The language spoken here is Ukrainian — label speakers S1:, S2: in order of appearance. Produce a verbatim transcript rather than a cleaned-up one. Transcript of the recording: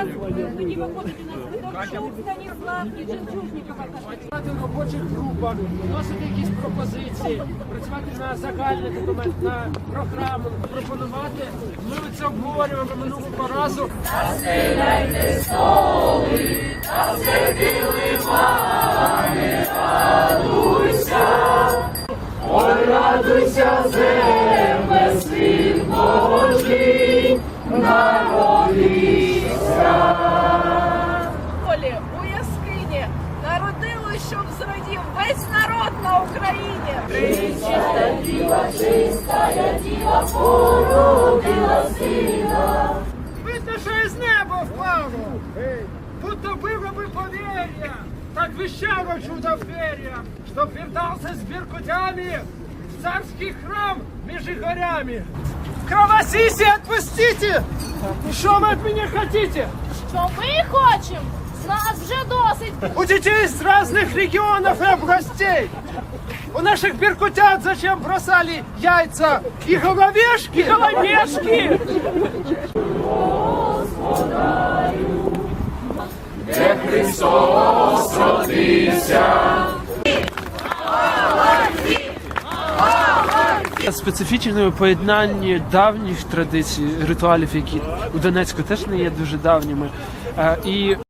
S1: Зараз тоді виходить у нас Федорчук, Станіслав і Жемчужникова.
S2: Працювати в робочих групах, вносити якісь пропозиції, працювати на загальний документ, на програму, пропонувати. Ми це обговорюємо минулого разу.
S3: Розстріляйте столи, та сердили мами, радуйся, ой, радуйся, земле, син Божий, народився.
S4: Полі у яскині народилось, щоб зрадів весь народ на Україні.
S3: Пречиста діва, чистая діва, породила сина.
S2: Видно, що із неба впало, будто было бы поверье, так вещало чудо перья, чтоб вертался с беркутями в царский храм между горями. Кровосиси отпустите! Что вы от меня хотите?
S4: Що ми хочемо? З нас вже досить.
S2: У детей из разных регионов и областей. У наших беркутят зачем бросали яйца и головешки? И головешки!
S3: Де Христос родився.
S5: Специфічне поєднання давніх традицій, ритуалів, які у Донецьку теж не є дуже давніми, і